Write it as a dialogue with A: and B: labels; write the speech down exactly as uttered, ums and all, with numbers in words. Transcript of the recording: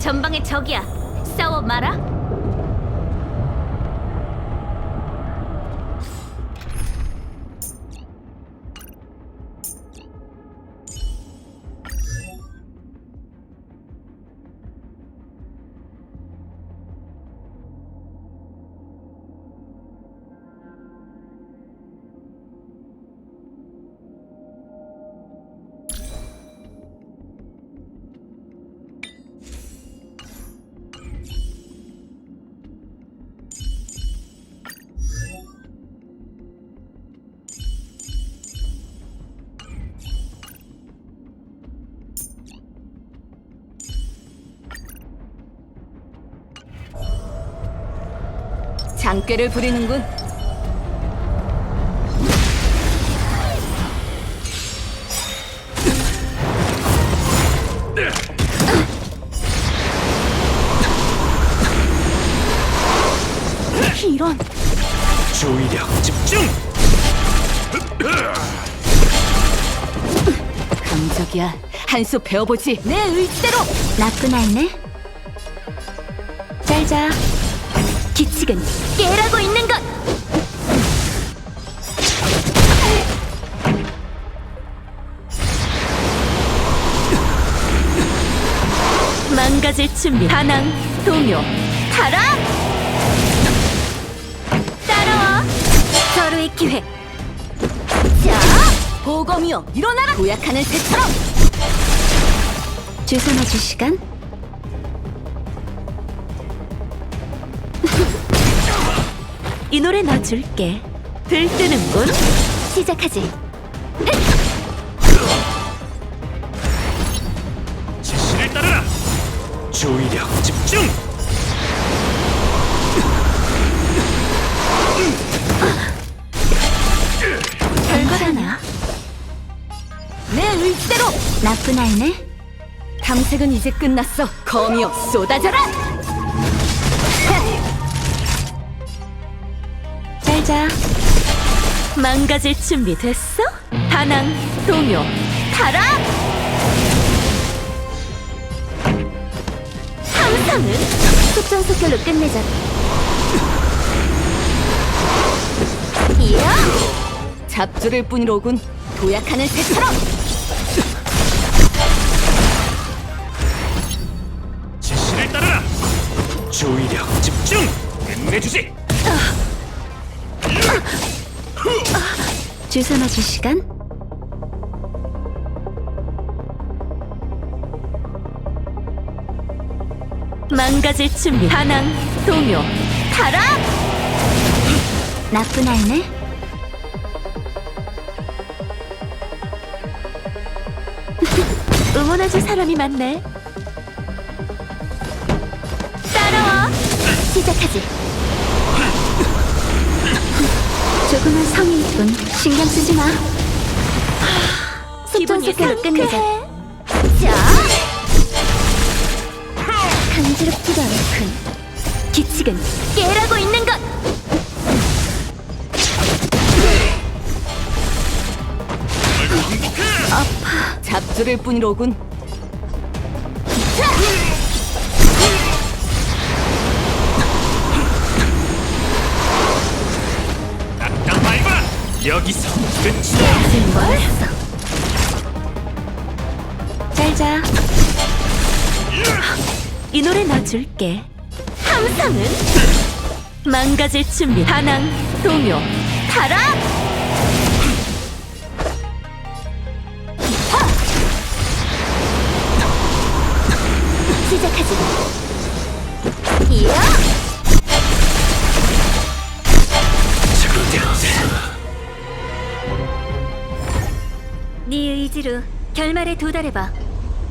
A: 전방에 적이야. 싸워 마라. 장꾀를 부리는군. 이런.
B: 주의력 집중.
A: 감적이야. 한 수 배워보지. 내 의지대로. 나쁜 아이네. 잘자. 기칙은 깨라고 있는 것. 망가질 준비. 반항, 동요, 타락. 따라와. 서로의 기회. 자, 보검이여 일어나라. 도약하는 새처럼. 주소 맞을 시간. 이 노래 넣어줄게. 들뜨는군. 시작하지.
B: 지시를 따르라. 주의력 집중.
A: 별거라냐? 내 의지대로. 나쁜 아이네. 탐색은 이제 끝났어. 검이여 쏟아져라. 자, 망가질 준비 됐어? 반항, 동요, 타락! 항상은 속전속결로 끝내자. 이야! 잡주를 뿐이로군. 도약하는 새처럼.
B: 지시를 따르라. 주의력 집중. 끝내주지.
A: 주소 맞을 시간. 망가질 준비. 반항, 동요, 타락! 나쁜 아이네. 응원해줄 사람이 많네. 따라와. 시작하지. 조금은 성의 있군. 신경 쓰지 마. 속전속결로 끝내자. 자, 간지럽지도 않군. 기칙은 깨라고 있는 것. 아파. 잡주를 뿐이로군.
B: 여기서 끝이야.
A: 멋있어. 잘자. 이 노래 넣어줄게. 항상은 망가질 준비. 반항, 동요, 타락. 시작하지. 이야. 네 의지로 결말에 도달해봐.